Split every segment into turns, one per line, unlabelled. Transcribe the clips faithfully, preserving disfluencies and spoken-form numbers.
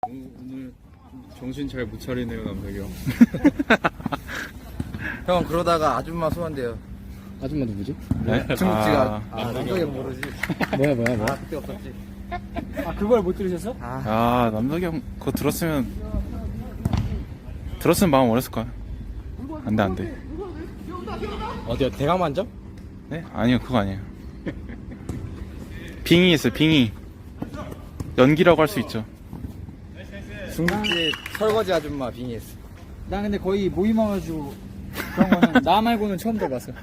오늘 정신 잘 못 차리네요, 남석이 형.
형 그러다가 아줌마 소환돼요.
아줌마 누구지?
네? 중국지가
아,
아, 남석이 형 모르지.
뭐야 뭐야 뭐야?
아 그때 없었지.
아 그걸 못 들으셨어?
아,
아 남석이 형 그거 들었으면 들었으면 마음 어렸을 거야. 안돼 안돼.
어디요? 대강만점?
네? 아니요 그거 아니에요. 빙의 있어요 빙의. 연기라고 할 수 있죠.
중국집 설거지 아줌마 빙의했어.
난 근데 거의 모임 와가지고 그런 거는 나 말고는 처음 들어봤어.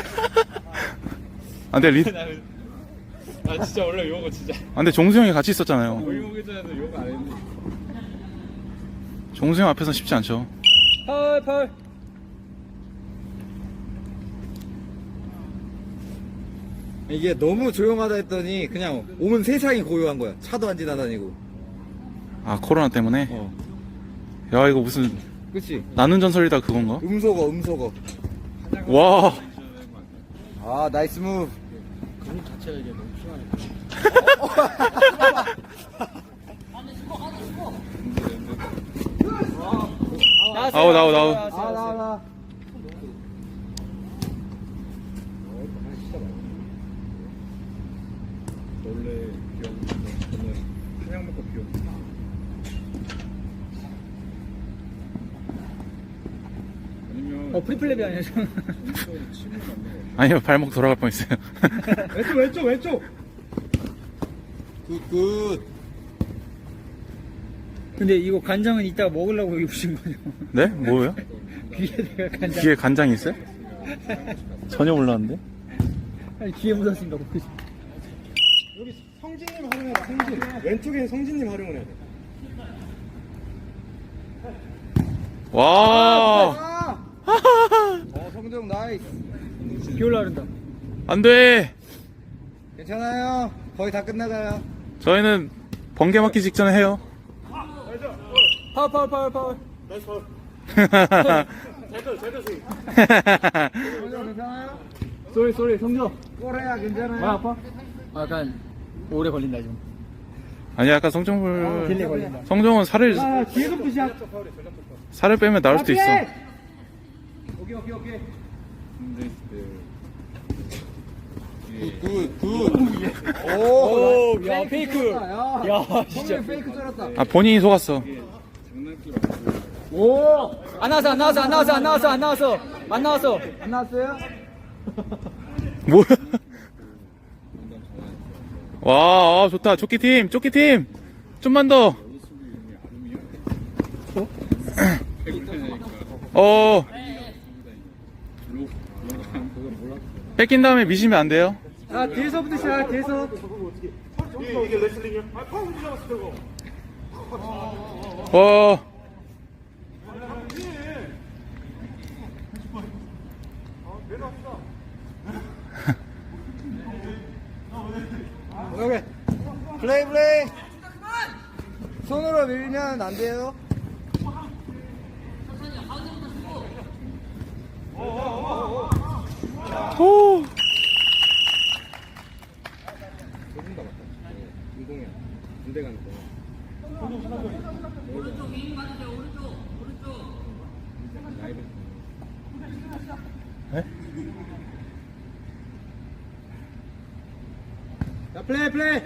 안돼 리.
아 진짜 원래 요거 진짜
안돼 종수 형이 같이 있었잖아요.
모임 오기 전에도 요거 안 했는데.
종수 형 앞에서 쉽지 않죠.
펄 펄.
이게 너무 조용하다 했더니 그냥 온 세상이 고요한 거야. 차도 안 지나다니고.
아 코로나 때문에.
어.
야 이거 무슨
그치?
나눈 전설이다 그건가?
음소거 음소거.
와.
아 나이스 무브.
근육 자체가 이게 너무 심하네.
아우 나우 나우.
아 나와 나.
원래 비었는데 저는 한약 먹고 비었는데. 아니면
어 프리플랩이 아니야 저.
침을 맞는
아니요 발목 돌아갈 뻔했어요.
왼쪽 왼쪽 왼쪽.
굿굿.
근데 이거 간장은 이따가 먹으려고 여기 부신 거죠?
네? 뭐예요?
귀에다가 간장.
귀에 간장이 있어요? 전혀 몰랐는데.
아니 귀에 묻었으니까 먹지.
여기 성진님 활용해야 돼. 성진. 왼쪽에 성진님 활용을 해야 돼.
와.
어 성정 나이스.
비 올라 그런다.
안돼.
괜찮아요. 거의 다 끝나가요.
저희는 번개 맞기 직전에 해요.
파울 파울 파울 파울.
성정 괜찮아요?
쏘리 쏘리 성조.
꼬레야 괜찮아요?
아 아파? 아, 약간 오래 걸린다 지금.
아니 아까 성정불
딜레 걸린다.
성정은 살을
아 뒤에서 푸시야.
살을 빼면 나올 수도 있어.
오케이 오케이 오케이.
근데
굿굿. 오.
오, 야 페이크.
야,
야
성정
진짜.
페이크 쩔었다.
아 본인이 속았어.
장난기 아니고
오. 안 나왔어 안 나왔어 안 나왔어 안 나왔어 안 나왔어 안 나왔어.
안 나왔어요?
뭐야? 와 아, 좋다 조끼 팀 조끼 팀 좀만 더. 어. 뺏긴 다음에 미시면 안 돼요.
아 뒤에서부터 시작 뒤에서.
와.
오케이. 플레이 플레이. 손으로 밀면 안 돼요.
오.
조금 더 맞다. 운동이야. 군대 가는 거. 오른쪽 윙 맞으세요. 오른쪽 오른쪽. 나이를.
네?
자 플레이 플레이.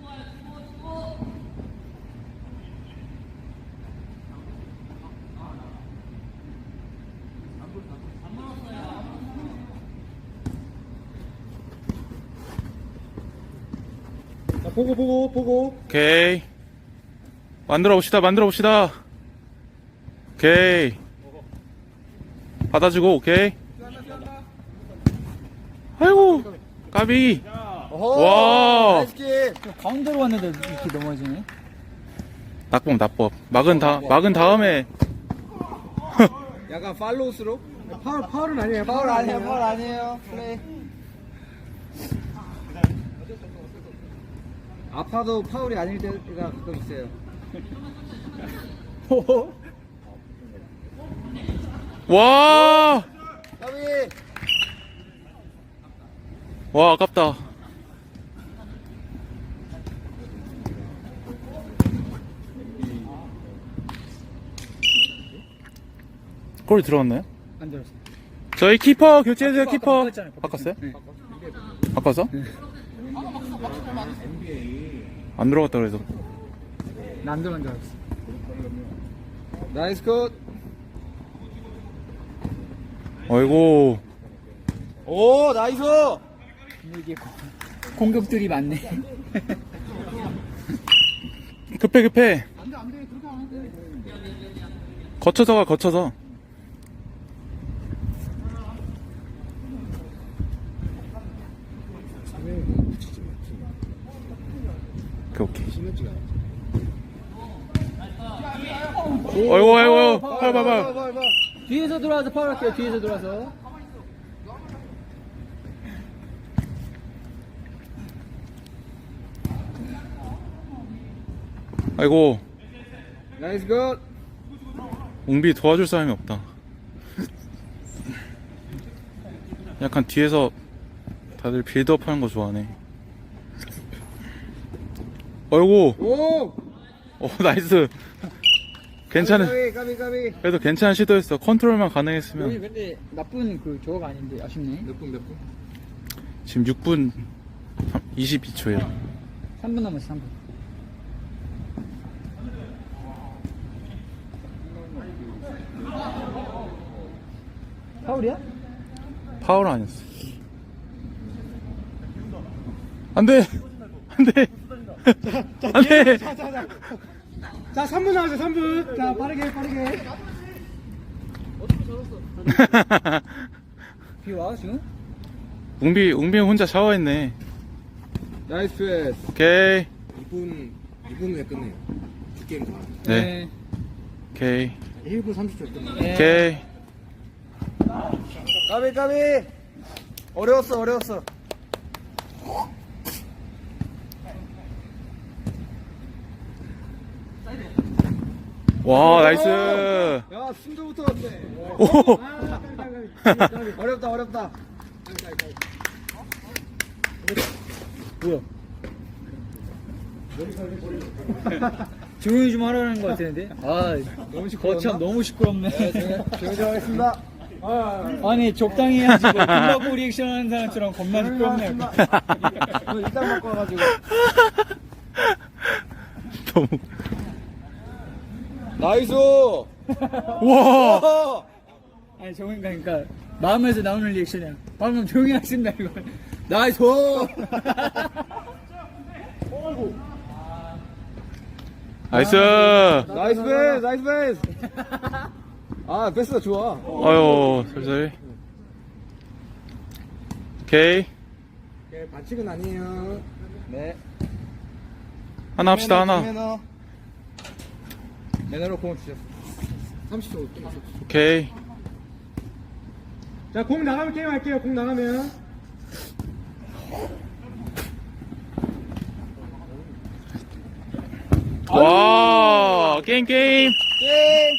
자 보고 보고 보고.
오케이. 만들어 봅시다 만들어 봅시다. 오케이. 받아주고 오케이. 아이고 까비.
어허,
와.
나이스 킥.
가운데로 왔는데 이렇게 넘어지네.
낙법 낙법 막은 다 막은 다음에
약간 팔로우스로.
파울 파울은 아니에요.
파울 아니에요 파울 아니에요. 플레이. 아파도 파울이 아닐 때가 가끔 있어요.
와.
까비.
와 아깝다. 골 들어갔나요?
안 들었어.
저희 키퍼 교체해주세요,
아,
키퍼.
바꿨잖아요,
바꿨어요?
네.
바꿔서? 안 들어갔다 그래서.
안 들어간 줄 알았어.
나이스 컷.
아이고.
오, 나이스.
근데 이게 고- 공격들이 많네.
급해, 급해. 거쳐서 가, 거쳐서. 오케이, 오케이. 아이고, 아이고, 봐봐, 봐봐.
뒤에서 들어와서 파울할게요. 뒤에서 들어와서.
아이고,
나이스 컷.
웅비 도와줄 사람이 없다. 약간 뒤에서 다들 빌드업 하는 거 좋아하네. 아이고,
오.
어, 나이스. 괜찮은,
까비, 까비, 까비.
그래도 괜찮은 시도였어. 컨트롤만
여기
가능했으면.
근데 나쁜 그 저거가 아닌데 아쉽네.
몇 분, 몇 분?
지금 육 분 이십이 초에요.
삼 분 남았어. 삼 분. 파울이야?
파울 아니었어. 안 돼! 안 돼! 안 돼!
자, 자, 자. 자, 삼 분 남았어요, 삼 분. 자, 빠르게, 빠르게.
비 와 지금?
웅비, 웅비 혼자 샤워했네.
나이스 패스.
오케이.
이 분, 이 분 후에 끝내요. 두 게임 다.
네. 오케이.
일 분 삼십 초에 끝내요.
네.
오케이.
까비, 까비. 어려웠어, 어려웠어.
와, 나이스.
야, 순조부터 왔네.
오!
어렵다, 어렵다.
뭐야? 조용히 좀 하라는 것 같았는데. 아, 너무 시끄럽나? 거참 너무 시끄럽네.
조용히 좀 하겠습니다.
아니 적당히 해야지. 뭐 금방고 리액션 하는 사람처럼 겁나 시끄럽네.
오늘 일단 먹고 와가지고.
너무.
나이스.
와!
어.
아니 저건 그러니까 마음에서 나오는 리액션이야. 방금 조용히 하신다 이거. 나이스.
나이스.
나이스 패스, 나이스 패스. 아, 패스가 좋아.
아유, 살살. 오케이.
네, 반칙은 아니에요.
네.
하나 합시다, 하나.
매너. 매너로 공을 주셨어.
삼십 초.
오케이.
자, 공 나가면 게임 할게요, 공 나가면.
와, 게임, 게임.
예.